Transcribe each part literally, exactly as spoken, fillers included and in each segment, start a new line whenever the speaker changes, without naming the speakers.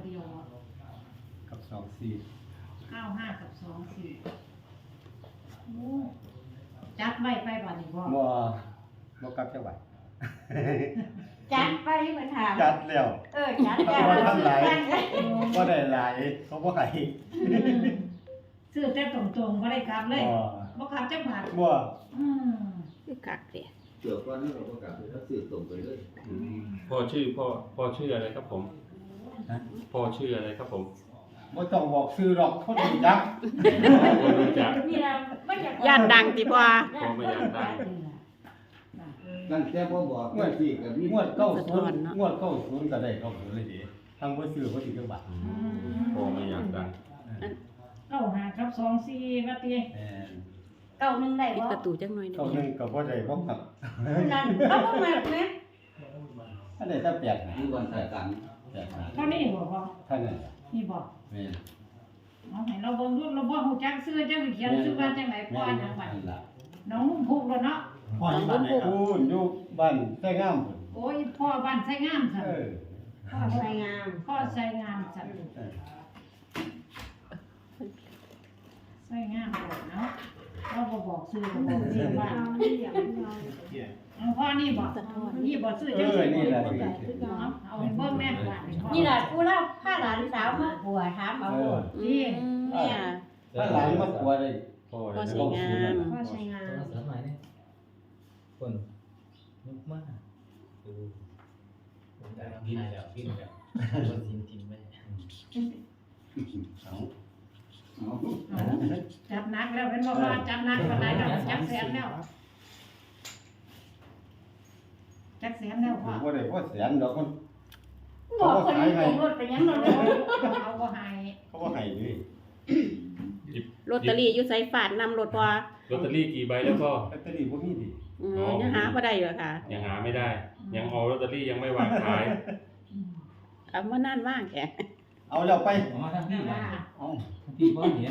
ดียว
กับสองสี่
เก้าห้ากับสองสี่จัดไว้ไปบ่นี่บ่
บ่บ่กลับจังหวัด
จัดไปเหมือนถาม
จัดแล้ว
เออจัดแล้วเราซื้อกันเลย
บ่ได้หลายเขาบ่ให้
ซื้อแต่ตรงๆบ่ได้กลับเลยบ่กลับจังหวัด
บ่
อืม
คือกักเด้
เกี่ยวก้อนนี้เราก็กลับถ้าสื่อตรงไปเลย
พ่อชื่อพ่อพ่อชื่ออะไรครับผมพ่อชื่ออะไรครับผม
บ่ต้องบอกชื่อหรอกคนรู้จัก
พ่อรู้จัก
นี่ล่ะบ่อยาก
ย่านดังติพ่อ
พ่อไม่อยากดัง
นั่นแค่พ่อบอกเมื่อที่กับนี่
งวดเก้าศูนย์งวดเก้าศูนย์ก็ได้เก้าศูนย์เลยดิทางบ่ซื้อบ่ถึงจังหวัด
พ่อไม่อยากดัง
เก้าห้ากับสองสี่ว่าติ
แม่น
เก้าหนึ่งได้บ่ประตูจังหน่อยนึ
เก้าง หนึ่งก็บ่ได้บ่ครับ
นั่นเราบ่มาแม่
อันนี้ถ้าแปดนะ
นี่วันถ่ายกัน
แปดนะ
เท่านี้บ่พ่อ
ท่านนั้น
นี่บ่
แม่น
เอาให้เราเบิ่งดูเราบ่ฮู้จักชื่อจังสิเขียนชื่อว่าจังได๋พ่อจังหวัด
นั่นล่ะ
น้องนุ่มพุกแล้วเนาะ
พ่ออยู่บ้านไหนครับพูนอยู่บ้านไส้งามพุ่น
โอ้ยพ่อบ้านไสงามซั่น
เออ
พ่อ
สวยงาม
พ่อไสงามซั่น
เออ
ไสงามบ่เนาะเราบ่บอกชื่อบ่บอกชื่อว่า เอาพ่อนี่บอกนี่บอกซื้อ
เอ
จัง
อ
ซี่
นี่แหละ
เอาเอาให้เบิ่งแม่ว่า
นี่ล่ะกูเล่าพาหลานสาวมาบัวถามเอา
เออ
นี่
แม่
ถ้าหลานมากลัวเลย
พ่อ
พ่อ
เลย
สวยงาม
พ่อใช้งาน
โทรศัพท์ใหม่เนี่ยคนนุกมากดูผมได้พิมพ์แล้วพิมพ์แล้วคนทีมทีมแม่
เอา
จับนักแล้วเป็นบ่ว่าจับนักปานใดแล้วจับแสนแล้วจับแสนแล้วพ่อ
บ่ได้บ่แสนดอกมัน
บอกคนนี้ส่งรถไปยังเราเลย
เอาบ่ให้
เขาบ่ให้ดิ
ลอตเตอรี่อยู่ไสฝาดนำรถบ่
ลอตเตอรี่กี่ใบแล้วพ่อ
ลอตเตอรี่บ่มีดิ
อืมยังหาบ่ได้อยู่ค่ะ
ยังหาไม่ได้ ยังเอาลอตเตอรี่ยังไม่วางขาย
เอามานานว่างแก
เอาแล้วไป
อ๋อทั้งพี่นะ
เอา
ทั้งพี่พ่อเห็น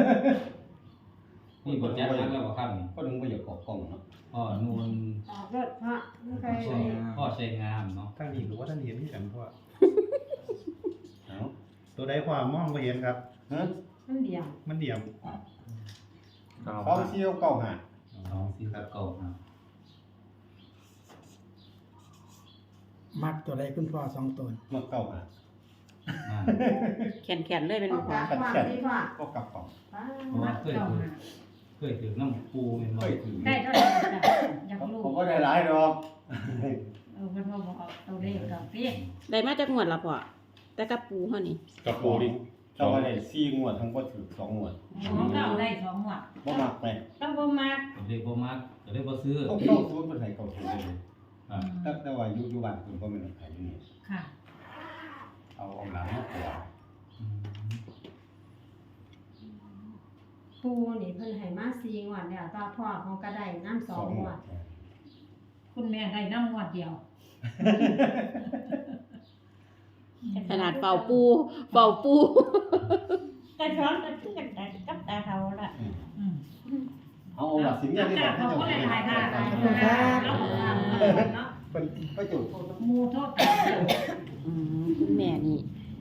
นี่บทแจ๊คแล้วบอกครับนี่
ก็นึงบ่อยากออกกล้องเนาะ
พ่อนูน
ออกรถพ่อไม่เคย
พ่อใช้งามเนาะ
ท่านนี้หรือว่าท่านเห็นที่กันเพราะว่า
เอา
ตัวใดความมองไปเห็นครับ
ฮะ
มันเดียว
มันเดี่ยม
เก้า
เขาเที่ยวเก้าหา
น้องซีกับเก่านะ
มักตัวใดคุณพ่อสองตัว
มาเก้าหา
แขนๆเลยเป็นบ่
ขัดแข็งก็กลับกล่อง
เพราะว่าเคยถือเคยถือน้ำปูเป็นบ่อยถือ
ได้เท่าไหร่จ้ะอยากรู้
ผมก็ได้หลายดอก
เออเพิ่นบ่บอกเอาเลขกับพี่
ได้มาจากงวดละพ่อแต่กับปูเฮานี่
กับปูดิ
เจ้าก็ได้สี่งวดทั้งบ่ถือสองงวด
ของเราได้สองหมวด
บ่มักแม่
ต้องบ่มัก
ก็เลยบ่มักก็เลยบ่ซื้อ
ต้องเข้าศูนย์เพิ่นให้เก้าศูนย์เลย
ครับ
แต่แต่ว่าอยู่อยู่บ้านเพิ่นบ่แม่นขายอยู่นี่
ค่ะ
เอาเอาหลังมาปวด
ปูนี่เพิ่นให้มาสี่งวดแล้วต่อพ่อเขาก็ได้น้ำสองงวด
คุณแม่ได้น้ำหมวดเดียว
ขนาดเป่าปูเป่าปูกระช้อนกระชื่อกันแต่กับตาเขาละ
อืม
เอาเอาล่ะสิเนี่ยนี่
เขา
เขา
ก็
เจ้า
ได้
ให้
ถ่าย
ได้
ค่ะแล้วก็เนาะ
เพิ่นก็จุด
หมู่โทษกัน
อืมคุณแม่นี่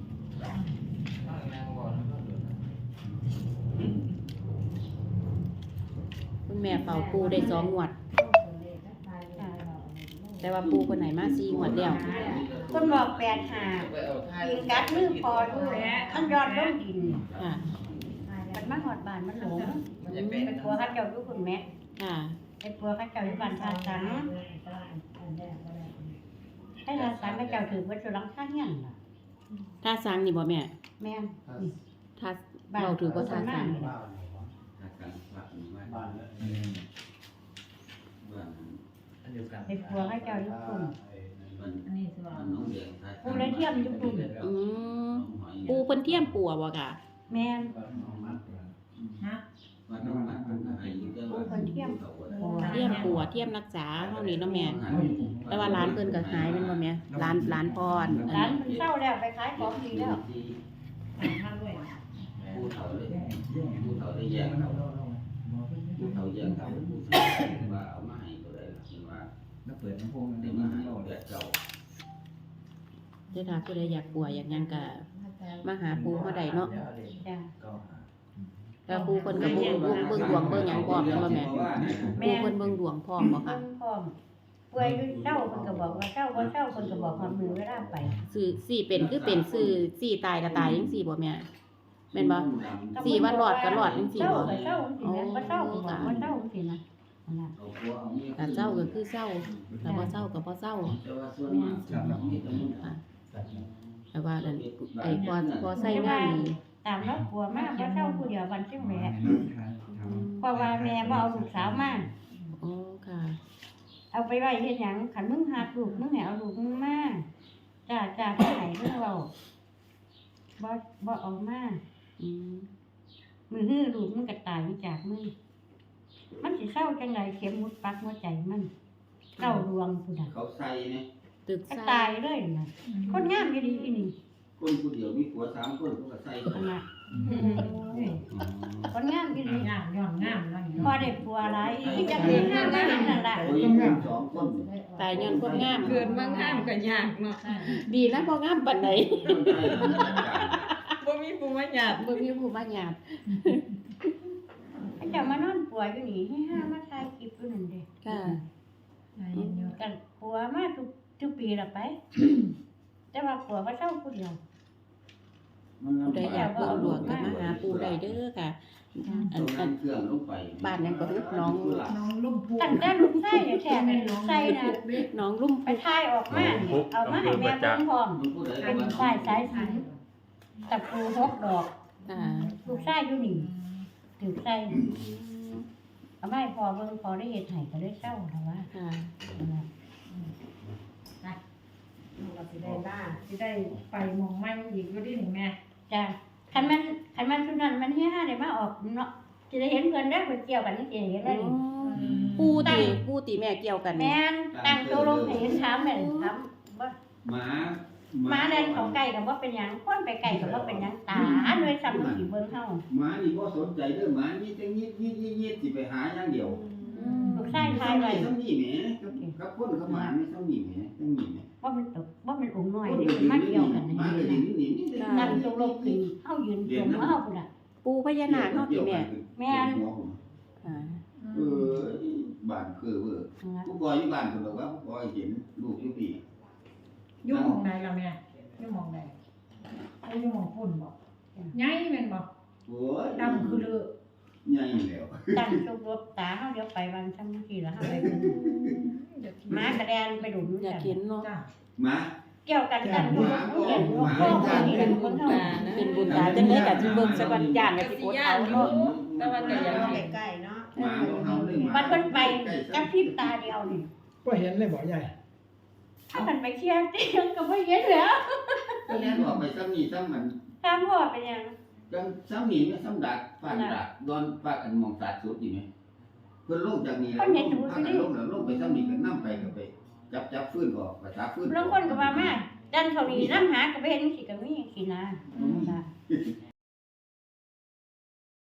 คุณแม่เป่าปูได้สองงวด แต่ว่าปูคนไหนมาสี่งวดแล้วคนบอกแปดหายิงกัดมือพอด้วยมันยอดลงดินค่ะมันมาหอดบานมันหลงเป็นปัวข้าเจ้าอยู่คุณแม่ค่ะเป็นปัวข้าเจ้าอยู่บ้านทาสังให้ทาสังข้าเจ้าถือว่าจะรังข้างยันล่ะทาสังนี่บ่แม่แม่ทาเราถือว่าทาสัง
บ้าน
อันเดียวกัน
เป็นปัวข้าเจ้าอยู่คุณ
อันนี้สิว่า
ปูเลยเทียมอยู่คุณ
อืมปูเพิ่นเทียมปัวบ่ค่ะ
แม่น
ฮะ
ปูเพิ่นเทียม
เทียมปัวเทียมรักษาเฮานี่เนาะแม่แต่ว่าร้านเพิ่นก็หายแม่นบ่แม่ร้านร้านพรอัน
ร้าน
นี้
เพิ่นเศร้าแล้วไปขายของดีแล้ว
ทำด้วย
ผู้เฒ่าเลยผู้เฒ่าได้แยกเขาผู้เฒ่าแยกเขาผู้เฒ่าว่าเอามาให้ก็ได้เป็นว่า
แล้วเปิดลำโพง
ได้
ได้
มา
มา
ให้
ให้
แบบเก่า
เด้อถ้าผู้ใดอยากป่วยอยากหยังก็มาหาปู่เฮาได้เนาะ
จ้ะ
แต่ปู่เพิ่นก็บ่เบิ่งเบิ่งดวงเบิ่งหยังพร้อมแม่นบ่แม่ปู่เพิ่นเบิ่งดวงพร้อมบ่คะ
เพิ่นพร้อมป่วยอยู่เช้าเพิ่นก็บอกว่าเช้าบ่เช้าเพิ่นก็บอกความมือเวลาไป
สื่อสี่เป็นคือเป็นสื่อสี่ตายก็ตายจังซี่บ่แม่แม่นบ่ สี่วันรอดก็รอดจังซี่บ่
เช้าก็เช้าจังซี่แม่บ่เช้าก็บอกบ่เช้าจังซี่นะนั่นล่ะ
ถ้าเศร้าก็คือเศร้าถ้าบ่เศร้าก็บ่เศร้า
แต่ว่าส่วนมากครับมีแต่มัน
ค่ะแต่ว่านั่นไอ้พอพอใส่งานนี่
ตามรถกลัวมากบ่เช้าผู้เดียววันเชียงแหม่เพราะว่าแม่บ่เอาลูกสาวมา
โอ้ค่ะ
เอาไปไว้เฮ็ดหยังคันมึงหาลูกมึงให้เอาลูกมึงมาจ้าจ้าผู้ไหนเพิ่นเว้าบ่บ่เอามา
อืม
มือฮื้อลูกมึงก็ตายไปจากมึงมันสิเศร้าจังไดเข็มมุดปักหัวใจมันเศร้าดวงผู้ใด
เขาใส่เนี่ย
ตึก
ก็
ใส่
ตายเลยน่ะคนงามอีหลีอีนี่
คนผู้เดียวมีผัวสามคนเขาก็ใส่
นั่นน่ะคนงามอีหลี
งามย้อนงามเนาะนี่
พอ
เนาะ
ได้ผัวหลายอีจังเป็นงามมาเห็นนั่นล่ะ
เขายังมีสองคน
ตายย้อนคนงาม
เกิดมางามก็ยากเนาะ
ดีนะบ่งามปานใด
คนใส่คนจัดการ
บ่มีผู้มาหยาบ
บ่มีผู้มาหยาบ
เขาเจ้ามานอนป่วยอยู่นี่ให้ห้ามาถ่ายคลิปอยู่นั่นเด้
ค่ะ
ใจเย็นอยู่
กันผัวมาทุกทุกปีละไป แต่ว่าผัวก็เศร้าผู้เดียว
มัน
ผู้ใดอยากเบิ่งดวงก็มาหาปู่ได้เด้อค่ะ อัน
เอา
อัน
น้ำเครื่องลงไป
บ้านนั้นก็คือน้อง
น้องลุ่มพู
ตั้งแต่ลูกไส้เนี่ยแท้เป็นลูกไส้นะ
น้องลุ่ม
ไปถ่ายออกมานี่เอามาให้แม่เบิ่งพร้อม
มันผู้ใด
เป็น
ว่า
สายสายสิญตะปูหกดอก
ค่ะ
ลูกชายอยู่นี่ถือใส่เอาไม่พอเบิ่งพอได้เฮ็ดให้ก็ได้เศร้าแล้วว่า
ค่ะ
เราสิได้บ้านสิได้ไปหมองใหม่อีกอยู่ดินี่แม่
จ้ะคันมันคันมันชุดนั้นมันเฮียห้าได้มาออกเนาะสิได้เห็นเพิ่นได้อเพิ่นเกี่ยวกันนี่สิได้เห็นได้นี่
ปู่ติปู่ติแม่เกี่ยวกันนี่
แม่นตั้งโตลงให้เห็นถามแม่นถามบ่
หมา
หมาเดินเขาไก่ก็บ่เป็นหยังคนไปไก่ก็บ่เป็นหยังตาหน่วยซ้ำสิเบิ่งเฮา
หมานี่บ่สนใจเด้อหมานี่แต่ยิดยิดยิดยิดสิไปหาอย่างเดียว
ลูกชายทายไว้
ซ้ำนี่แหมกับกับคนกับหมานี่ซ้ำนี่แหมซ้ำนี่แหม
ว่ามันตกว่ามันองค์น้อย
คน
นี่
ก็
มัน
ยื
มาน เกี่ยว
นี่
กัน
หมาก็
นี่
ยืนนี่นี่
นั่งตกลงคือเฮายืนตรงเฮาพุ่นน่ะ
ปู่พญานาคเฮาติแม่
แม่น
ค่ะ
เออบ้านคือเว้อผู้ก่ออยู่บ้านเพิ่นบอกว่าผู้ก่อเห็นลูกอยู่ปี
อยู่หมองใดล่ะแม่อยู่หมองใดเอาอยู่หมองฝุ่นบ่ใหญ่แม่นบ่
โอ้ย
ดำคือเลือ
ใหญ่แล้ว
ตั้งตกลงตาเฮาเดี๋ยวไปวันซ้ำทีละเฮาไปเบิ่งหมากระแดนไปดุม
อยากเห็นเนาะ
จ้า
หมา
เกี่ยวกันกันอยู่เห็นพ่อคนนี้เป็นคนเฮา
เป็นบุญตาจังได๋ก็สิเบิ่งสักวันย่างก็สิกดเอาเนาะ
แต่ว่าก็อยากเห็น
ใกล้ๆเนาะ
หมาของเขาเลยหมา
มันเพิ่นไปจับพริบตาเดียวนี่
ก็เห็นเลยบ่ใหญ่
ถ้ามันไปเที่ยวเที่ยวก็บ่เห็นแล้ว
ก็แล้วออกไปซ้ำนี่ซ้ำมัน
ถามพ่อเป็นหยัง
จังซ้ำนี่ไม่ซ้ำดักฟาดดักโดนฟาดกันมองสาดสุดอยู่ไหมเพิ่นลงจากนี่แล้วพากันลงแล้วลงไปซ้ำนี่ก็นำไปก็ไปจับจับฟื้นออกภาษาฟื้น
บางคนก็ว่ามาดันเขานี่นำหาก็บ่เห็นสิก็มีสินะ